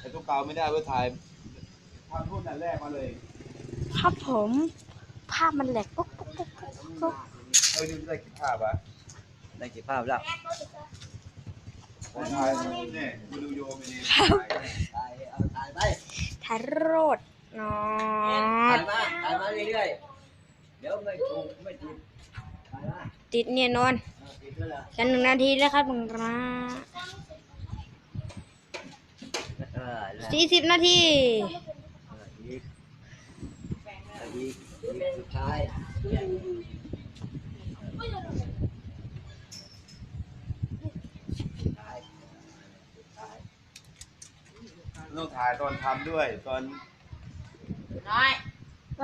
แต่ตัวเก่าไม่ได้เพื่อถ่ายทำรุ่นนั้นแรกมาเลยครับผมภาพมันแหลกปุ๊บปุ๊บปุ๊บปุ๊บนี่ได้กี่ภาพวะได้กี่ภาพแล้วถ่ายเนี่ยดูโยมนี่ถ่ายไปถ่ายโรดนอถ่ายมาเรื่อยๆเดี๋ยวไม่ถูกไม่ติดถ่ายมาติดเนี่ยนอนติดด้วยล่ะกัน1 นาทีแล้วครับมึงนะ 40 นาทีอีกสุดท้ายต้องถ่ายตอนทำด้วยตอนไป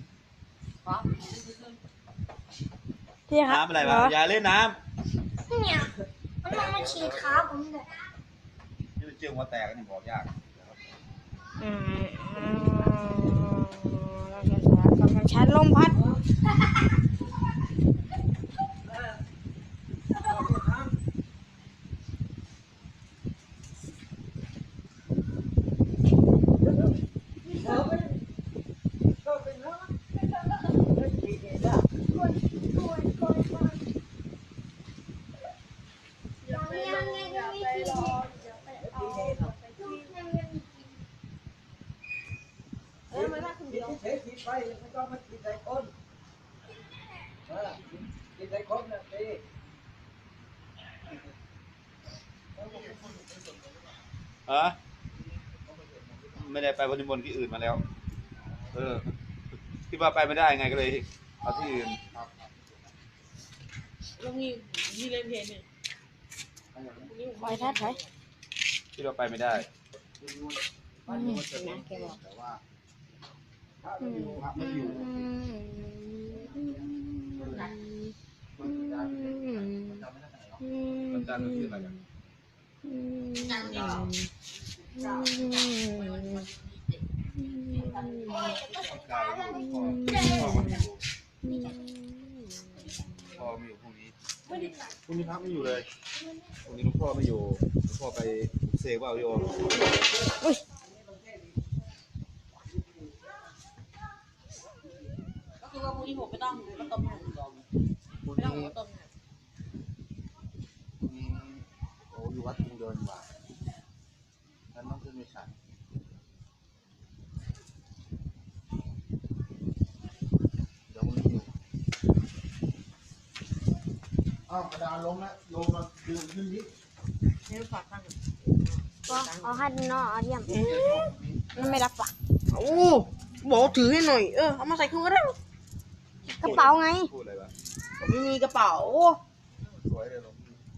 พี่ครับน้ำอะไรวะอย่าเล่นน้เนี่ยมันลงมาฉีดขาผมเลยำนี่มันเจือหัวแตกนี่บอกยากเราจะสากับมันชันลมพัดเทติดไปไม่ต้องมาติดใจคนติดใจคนนะตีไม่ได้ไปบริมณที่อื่นมาแล้วที่ว่าไปไม่ได้ไงก็เลยเอาที่อื่นแล้วมีเล่นเพลงเนี่ยคอยทัดไว้ที่เราไปไม่ได้นะแกบอกแต่ว่าถ้าไม่อยู่ครับไม่อยู่มันจันทร์ที่อะไรกันพ่อไม่อยู่พรุ่งนี้พรุ่งนี้พักไม่อยู่เลยพรุ่งนี้ลุงพ่อไม่อยู่ลุงพ่อไปเซว่าเอาโยมก็คือว่าพรุ่งนี้ผมไม่ต้องมาต้มหมูพรุ่งไม่ต้องนี้มาต้มโอ้อยู่วัดจุงเดินว่ะฉันต้องขึ้นไปฉันเดี๋ยวมันอยู่อ้าวกระดานลงแล้วลงมาดึงขึ้นนิดเนี่ยฝากตั้งก็เอาให้นอเอาเยี่ยมมันไม่รับปะโอ้บอกถือให้หน่อยเอามาใส่เครื่องก็ได้กระเป๋าไงพูดอะไรวะผมไม่มีกระเป๋าสวยเลยลง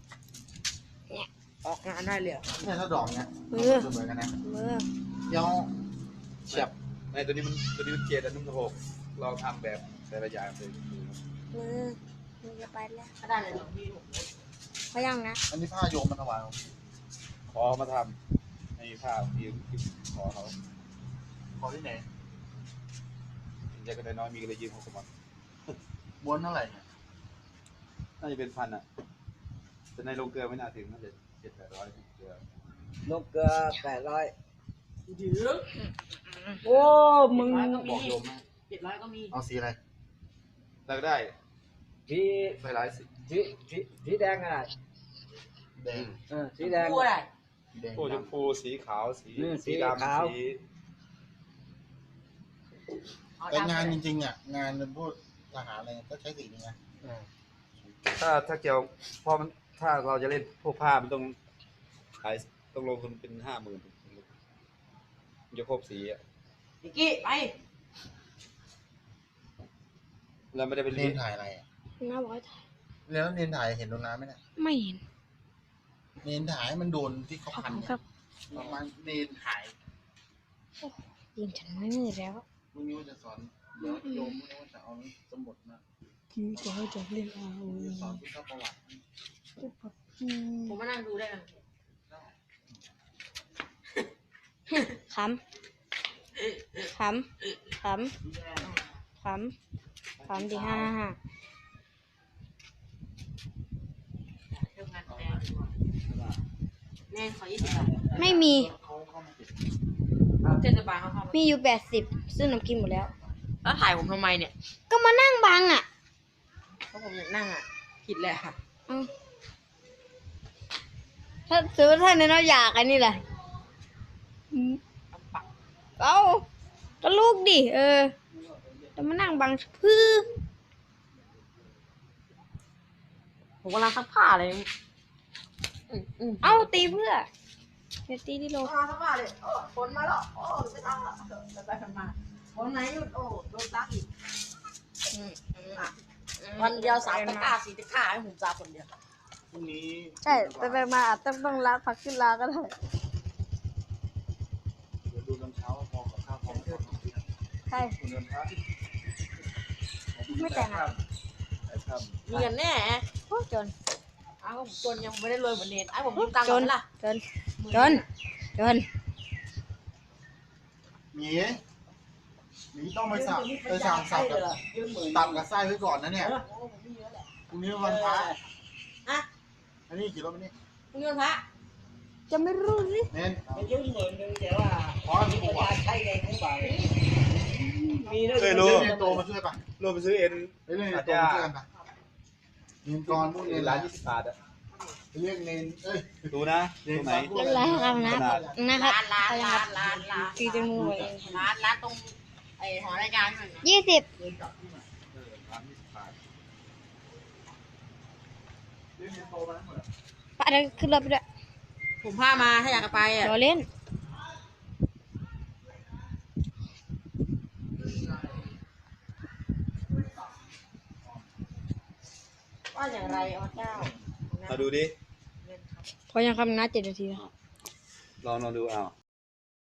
ออกงานได้เลยเนี่ยถ้าดอกเนี่ยเหมือนกันนะมือเดี๋ยวเฉียบในตัวนี้มันเจ็ดอันนุ่มกระหกเราทำแบบแต่ละอย่างเลยมือจะไปแล้วก็ได้เลยพี่เขายังนะอันนี้ผ้าโยมมันถวายขอมาทำให้ภาพที่ขอเขาขอที่ไหนใจก็ได้น้อยมีก็เลยยืมเขาสมัครม้วนเท่าไหร่เนี่ยน่าจะเป็นพันอ่ะแต่ในโรงเกลือไม่น่าถึงน่าจะ700-800เกลือนกเกลือ800 ถือโอ้มึงก็บมีอกโยมนะ 700ก็มีเอาสีอะไรแล้วก็ได้สีไปหลายสีสีแดงอะไรแดงสีแดงพูดอะไรแดงพวกชมพูสีขาวสีสีดำขาวสีแต่งานจริงๆอ่ะงานพวกทหารอะไรก็ใช้สีนี้นะถ้าเกี่ยวพอมันถ้าเราจะเล่นพวกผ้ามันต้องขายต้องลงทุนเป็น50,000จะครบสีอ่ะนิกกี้ไปเราไม่ได้เป็นเรีเล่ยนนถ่ายอะไรอ่ะน้าบอกให้ถ่ายเรียนแล้วเรียนถ่ายเห็นโดนน้ำไหมเนี่ยไม่เห็นเรียนถ่ายให้มันโดนที่เขาขอบพันคุณเนี่ครัยบประมาณเรียนถ่ายยิงฉันไม่มีแล้วพรุ่งนี้ว่าจะสอนเดี๋ยวโยมพรุ่งนี้ว่าจะเอาสมุดมาพี่ก็จะเล่นเอาจะสอนพุทธประวัติผมมานั่งดูได้นะขำขำขำขำขำดีฮ่าเรื่องงานแสดงแน่นขอ20 บาทไม่มีเขาเข้ามาติดเทศบาลเขาเข้ามามีอยู่80ซึ่งน้ำกินหมดแล้วแล้วถ่ายผมทำไมเนี่ยก็มานั่งบังอ่ะเพราะผมอยากนั่งอ่ะผิดแหละค่ะเอาถ้าซื้อท่านเนี่ยเราอยากอันนี้แหละเอาก็ลูกดิจะมานั่งบังพื้อผมกำลังซักผ้าเลยเอาตีเพื่อเดี๋ยวตีที่โลซักผ้าเลยโอ้ฝนมาแล้วโอ้ไม่ต้องแล้วไปฝนมาฝนไหนหยุดโอ้โดนซักอีกวันเดียว3 ตะกร้า 4 ตะกร้าให้ผมซักคนเดียวพรุ่งนี้ใช่ไปมาอาจต้องลาพักขึ้นลาก็ได้เดี๋ยวดูน้ำเช้าพอกับข้าวพอกับข้าวใช่คุณเงินพระไม่แต่งอ่ะไอ้ข้ามมีเงินแน่โอ้จนอ้าวผมจนยังไม่ได้รวยเหมือนเนทไอ้ผมยืมตังค์ก่อนล่ะจนหมีต้องไปสั่งสับกับตับกับไส้ไว้ก่อนนะเนี่ยพรุ่งนี้วันพระอะอันนี้กี่รถมันนี่มึงเงินพระจะไม่รู้สิเน้นไปยืม10,000แต่ว่าขอให้ผมบอกใช้ในของบ่ายมีด้วยเคยเรีรู้ยนโตมาช่วยป่ะรวมไปซื้อเอ็นไปเรียนโตมาช่วยกันป่ะเรียนกรพวกเรียนร้าร้าน น 20 บาทอ่ะไปเรียนเรียนดูนะตรงไหนเล่นไรครับนะครับร้านตีจมูกเองร้านตรงไอ้หอรายการหน่อยนะ 20 เรียนกลับที่ไหนร้าน20 บาทเรียนโตมาทั้งหมดปะเดี๋ยวขึ้นรถไปด้วยผมพามาถ้าอยากจะไปอ่ะรอเล่นว่าอย่างไรอ๋อเจ้ามาดูดิพอยังคำนัด7 นาทีแล้วลองดูเอา